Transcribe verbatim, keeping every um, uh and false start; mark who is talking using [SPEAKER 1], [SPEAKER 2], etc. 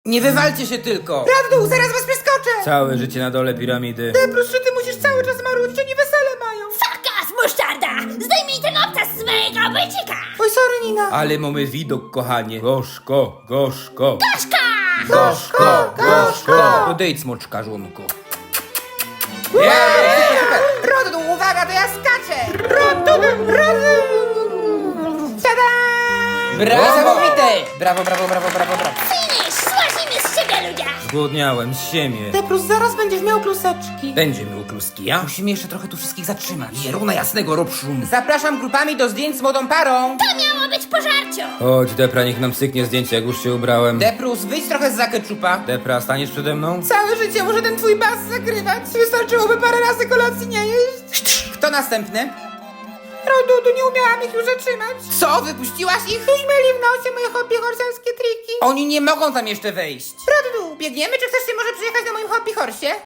[SPEAKER 1] Nie wywalcie się tylko!
[SPEAKER 2] Prawdą, zaraz was przeskoczę!
[SPEAKER 3] Całe życie na dole piramidy.
[SPEAKER 2] Deprus, że ty musisz cały czas marudzić, oni wesele mają!
[SPEAKER 4] Fakas, musztarda! Zdejmij ten obcas z mojego bycika!
[SPEAKER 2] Oj, sorry, Nina!
[SPEAKER 3] Ale mamy widok, kochanie. Gorzko, gorzko.
[SPEAKER 4] Gorzka!
[SPEAKER 3] Gorzko, gorzko. Podejdź, smoczkarzunku.
[SPEAKER 2] Rodu, uwaga, to ja skaczę! Rodu, rodu! Tada!
[SPEAKER 1] Brawo! Niesamowite! Brawo, brawo, brawo, brawo, brawo.
[SPEAKER 4] Finish! Złaźnimy z ciebie, ludzie!
[SPEAKER 3] Zgłodniałem z siebie.
[SPEAKER 2] Deprus, zaraz będziesz miał kluseczki.
[SPEAKER 3] Będzie miał kluski, ja?
[SPEAKER 1] Musimy jeszcze trochę tu wszystkich zatrzymać.
[SPEAKER 3] Pieruna jasnego, rob szum.
[SPEAKER 1] Zapraszam grupami do zdjęć z młodą parą.
[SPEAKER 4] To miało być pożarciu!
[SPEAKER 3] Chodź, Depra, niech nam syknie zdjęcie, jak już się ubrałem.
[SPEAKER 1] Deprus, wyjdź trochę z zakeczupa.
[SPEAKER 3] Depra, staniesz przede mną?
[SPEAKER 2] Całe życie muszę ten twój bas zakrywać. Wystarczyłoby parę razy kolacji nie jeść.
[SPEAKER 1] Kto następny?
[SPEAKER 2] Rodu, tu nie umiałam ich już zatrzymać.
[SPEAKER 1] Co? Wypuściłaś ich?
[SPEAKER 2] Już mieli w nosie moje hobby horselskie triki.
[SPEAKER 1] Oni nie mogą tam jeszcze wejść.
[SPEAKER 2] Rodu, biegniemy, czy chcesz się może przyjechać